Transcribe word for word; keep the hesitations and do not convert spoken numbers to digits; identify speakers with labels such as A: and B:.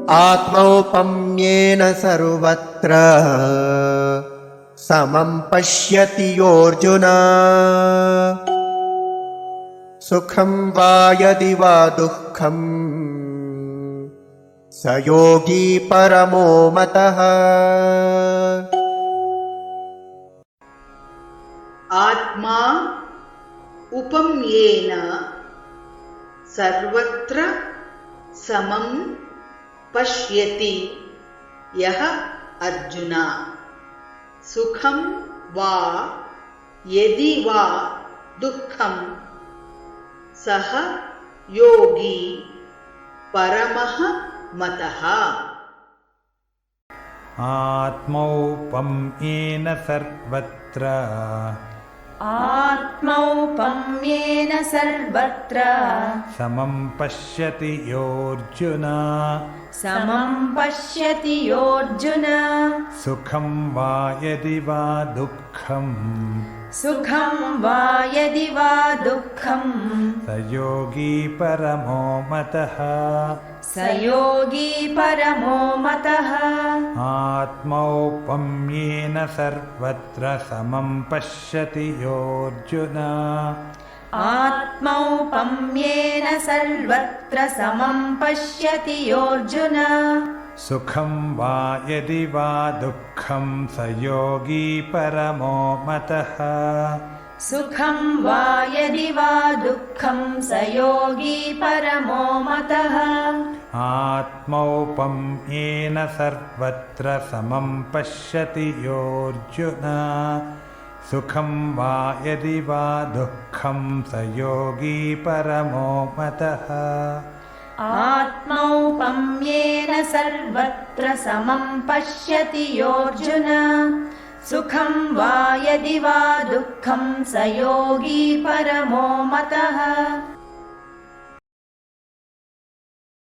A: आत्मौपम्येन सर्वत्र समं पश्यति योऽर्जुन सुखं वा यदि वा दुःखं स योगी परमो मतः।
B: आत्मा उपम्येन सर्वत्र समं पश्यति यः अर्जुन सुखं वा यदि वा दुःखं सः योगी परमः मतः।
C: आत्मौपम्येन सर्वत्र
D: आत्मौपम्येन सर्वत्र
C: समं पश्यति योऽर्जुन
D: समं पश्यति योऽर्जुन
C: सुखं वा यदि वा दुःखं
D: सुखं वा यदि वा दुःखं
C: स योगी परमो मतः।
D: स योगी परमो मतः।
C: आत्मौपम्येन सर्वत्र समं पश्यति योऽर्जुन
D: आत्मौपम्येन सर्वत्र समं पश्यति योऽर्जुन
C: सुखं वा यदि वा दुःखं स योगी परमो मतः।
D: सुखं वा यदि वा दुःखं स योगी परमो मतः।
C: आत्मौपम्येन सर्वत्र समं पश्यति योऽर्जुन सुखं वा यदि वा दुःखं स योगी परमो मतः।
D: आत्मौपम्येन सर्वत्र समं पश्यति योऽर्जुन सुखं वा यदि वा दुःखं स योगी परमो मतः।